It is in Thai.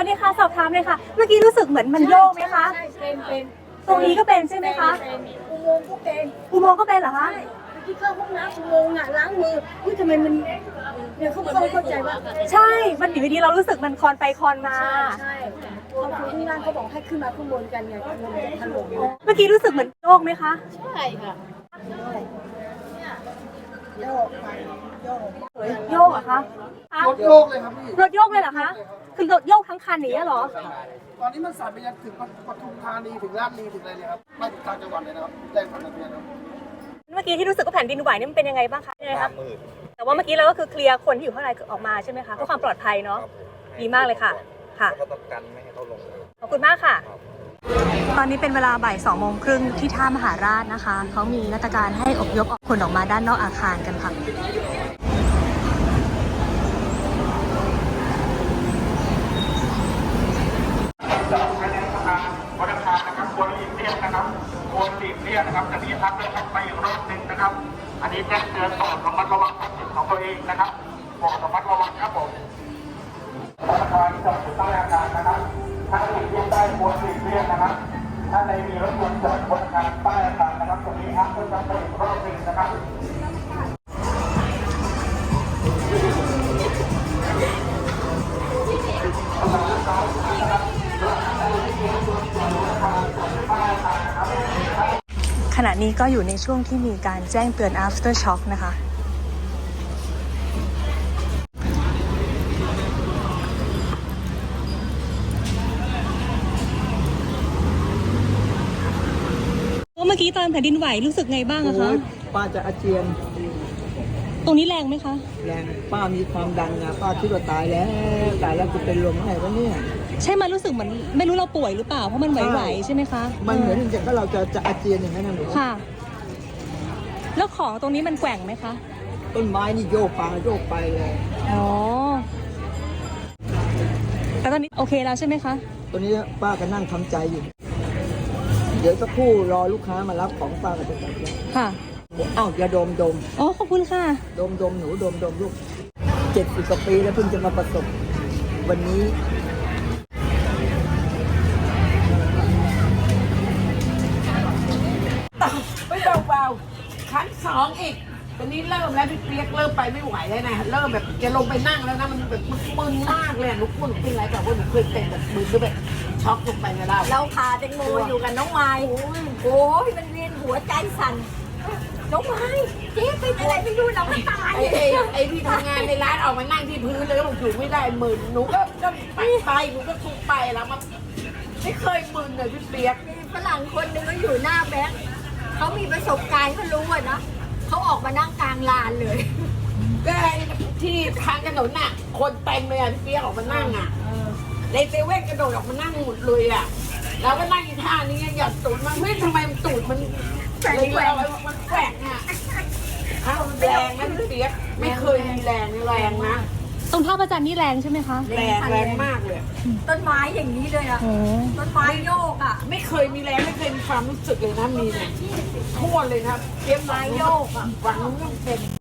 วัสดีค่ะสอบถามเลยค่ะเมื่อกี้รู้สึกเหมือนมันโยกไหมคะใช่เป็นตรงนี้ก็เป็นใช่ไหมคะอุโมงค์ก็เป็นอุโมงค์ก็เป็นเหรอคะที่เข้าห้องน้ำอุโมงค์ล้างมืออุ้ยทำไมมันเนี่ยเขาเข้าใจว่าใช่มันอยู่ดีๆเรารู้สึกมันคลอนไปคลอนมาใช่พอคุณที่นั่นเขาบอกให้ขึ้นมาข้างบนกันไงข้างบนจะถล่มเมื่อกี้รู้สึกเหมือนโยกไหมคะใช่ค่ะโยกไปโยกโยกเหรอคะรถโยกเลยครับพี่รถโยกเลยเหรอคะคือรถโยกทั้งคันอย่างนี้เหรอตอนนี้มันสั่นไปยังถึงปทุมธานีถึงราชบุรีถึงอะไรเลยครับไม่ถึงต่างจังหวัดเลยนะครับแรงสั่นสะเทือนครับเมื่อกี้ที่รู้สึกว่าแผ่นดินไหวนี่มันเป็นยังไงบ้างคะยังไงคะแต่ว่าเมื่อกี้เราก็คือเคลียร์คนที่อยู่ข้างในออกมาใช่ไหมคะเพื่อความปลอดภัยเนาะดีมากเลยค่ะค่ะก็ต้องกันไม่ให้เขาลงขอบคุณมากค่ะ ตอนนี้เป็นเวลาบ่าย2:30ที่ท่ามหาราชนะคะเขามีมาตรการให้อพยพคนออกมาด้านนอกอาคารกันค่ะวันอังคารนะครับควรหลีกเลี่ยงนะครับควรหลีกเลี่ยงนะครับจะมีพักเดินทางไปอีกรอบหนึ่งนะครับ อันนี้แจ้งเตือนโปรดระมัดระวังทรัพย์สินของตัวเองนะครับโปรดระมัดระวังครับผมวันอังคารที่จอดอยู่ใต้อาคารนะครับถ้าหลีกเลี่ยงได้ควรหลีกเลี่ยงนะครับ ถ้าในมีรถยนต์จอดบนอาคารใต้อาคารนะครับตรงนี้พักเดินทางไปอีกรอบหนึ่งนะครับขณะนี้ก็อยู่ในช่วงที่มีการแจ้งเตือน after shock นะคะเมื่อกี้ตอนแผ่นดินไหวรู้สึกไงบ้างอะคะป้าจะอาเจียนตรงนี้แรงไหมคะแรงป้ามีความดันนะป้าคิดว่าตายแล้วจะเป็นลมไงวะเนี่ยใช่มันรู้สึกเหมือนไม่รู้เราป่วยหรือเปล่าเพราะมันไหวๆใช่ไหมคะมันเหมือนอย่างก็เราจะอาเจียนอย่างนั้นนะหนูค่ะ แล้วของตรงนี้มันแกว่งไหมคะต้นไม้นี่โยกไปเลยอ๋อแต่ตอนนี้โอเคแล้วใช่ไหมคะตอนนี้ป้าก็นั่งทำใจอยู่ เดี๋ยวสักครู่รอลูกค้ามารับของป้าก็จะกลับแล้วค่ะอ้าวอย่าดมอ๋อขอบคุณค่ะหนูดมลูก70 กว่าปีแล้วเพิ่งจะมาประสบวันนี้ไม่เบาๆครั้งสองอีกตอนนี้เริ่มแล้วพี่เปียกเริ่มไปไม่ไหวแล้วนะเริ่มแบบจะลงไปนั่งแล้วนะมันแบบมึนมากเลยอะหนูพูดหนูเป็นไรแบบว่าหนูเคยเป็นแบบมึนหรือแบบช็อกลงไปนะเราเราพาแตงโมอยู่กับน้องไม้โอ้ยมันเวียนหัวใจสั่นน้องไม้เจ๊เป็นอะไรไม่รู้เราไม่ตายไอ้ที่ทำงานในร้านออกมานั่งที่พื้นเลยแล้วบอกอยู่ไม่ได้มึนหนูก็ไปหนูก็ทุกไปแล้วมันไม่เคยมึนเลยพี่เปียกมีฝรั่งคนหนึงก็อยู่หน้าแบงค์เขามีประสบการณ์เขารู้อะนะเขาออกมานั่งกลางลานเลยก็ที่ทางถนนน่ะคนเต็มเลยอ่ะพี่เปียกออกมานั่งอ่ะในเซเว่นกระโดดออกมานั่งหมดเลยอ่ะแล้วก็นั่งอีท่านี้หย่อนตูดมันเฮ้ยทำไมมันตูดมันเลยมันแกว่งอ่ะอ้าวแรงนะพี่เปียกไม่เคยมีแรงนะตรงท่าประจันนี่แรงใช่ไหมคะแรงมากเลยต้นไม้อย่างนี้เลยอะต้นไม้โยกอะไม่เคยมีแรงไม่เคยมีความรู้สึกเลยนะมีเนี่ยทั่วเลยนะเปียกไม้โยกอ่ะหวังว่าเป็น